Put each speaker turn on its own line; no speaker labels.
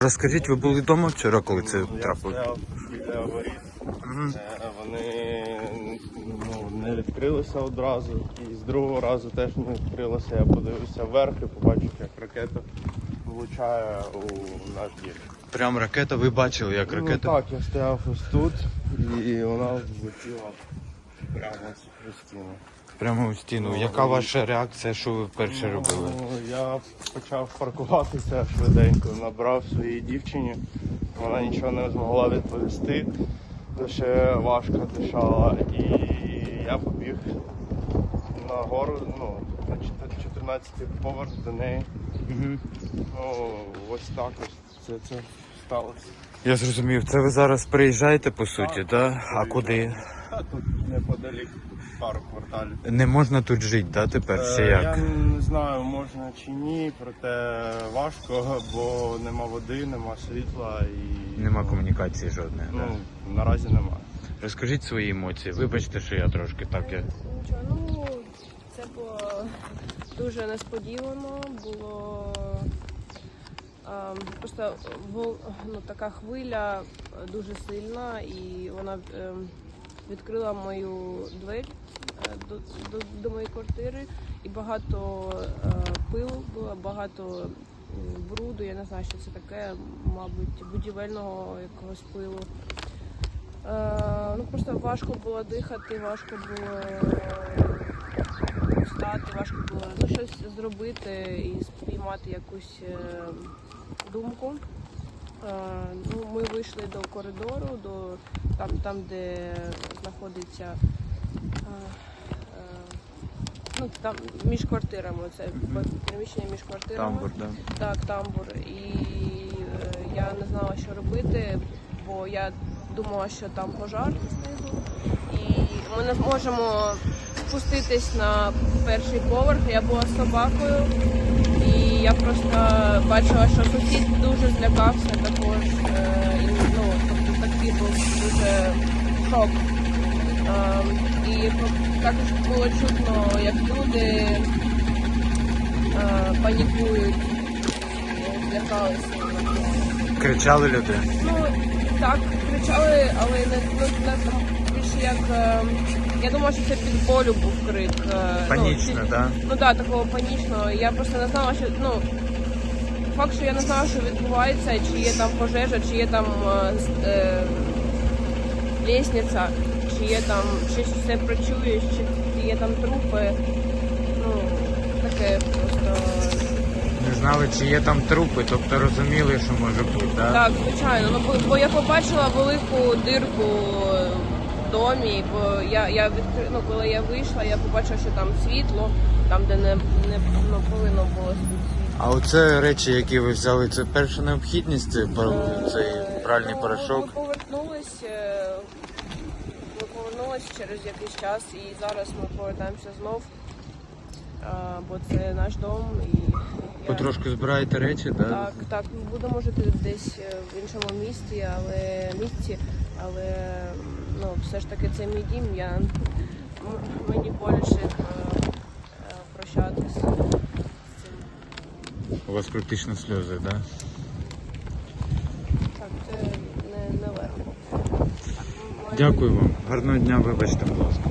Розкажіть, ви були вдома вчора, коли це трапилось?
Я стояв біля воріт. Вони не відкрилися одразу, і з другого разу теж не відкрилося. Я подивився вверх і побачив, як ракета влучає у наш дім.
Прям ракета, ви бачили, як ракета?
Ну так, я стояв ось тут, і вона влетіла прямо у стіну.
Прямо у стіну. Яка ваша реакція, що ви вперше робили?
Я почав паркуватися швиденько, набрав своїй дівчині. Вона нічого не змогла відповісти, то ще важко дишала. І я побіг нагору, на 14-й поверх до неї. Ось так ось це сталося.
Я зрозумів, це ви зараз приїжджаєте по суті, так? А куди?
Тут неподалік, пару кварталів.
Не можна тут жити, так, тепер? Ще як?
Я не знаю, можна чи ні, проте важко, бо нема води, нема світла і...
Нема комунікації жодної, так?
Наразі немає.
Розкажіть свої емоції. Вибачте, що я трошки так...
Нічого, це було дуже несподівано, було просто така хвиля дуже сильна, і вона відкрила мою двері до моєї квартири, і багато пилу було, багато бруду, я не знаю, що це таке, мабуть, будівельного якогось пилу. Просто важко було дихати, важко було встати, важко було щось зробити і спіймати якусь думку. Ми вийшли до коридору, там де знаходиться там між квартирами, це приміщення між квартирами.
Тамбур, так?
Так, тамбур. І я не знала, що робити, бо я думала, що там пожар знизу, і ми не зможемо спуститись на перший поверх. Я була з собакою, і я просто бачила, що сусід дуже злякався також. Тобто такий був дуже шок. І також було чутно, як люди панікують, злякалися.
Кричали люди?
Так, кричали, але не більше як... Я думала, що це від болю був крик.
Панічно, так?
Так, такого панічного. Я просто не знала, що... Факт, що я не знала, що відбувається, чи є там пожежа, чи є там лестниця, чи є там... чи все працює, чи є там трупи. Таке просто...
Не знали, чи є там трупи, тобто розуміли, що може бути, так?
Так, звичайно. Бо я побачила велику дирку в домі, бо коли я вийшла, я побачила, що там світло, там, де не повинно було світло.
А оце речі, які ви взяли, це перша необхідність, цей пральний порошок?
Ми повернулись через якийсь час, і зараз ми повертаємося знов, бо це наш дом.
Потрошку збираєте речі, так?
Так, ми будемо жити десь в іншому місті, але все ж таки це мій дім, мені боляче прощатися з цим.
У вас практично сльози, так?
Так, це не легко.
Дякую вам. Гарного дня, вибачте, будь ласка.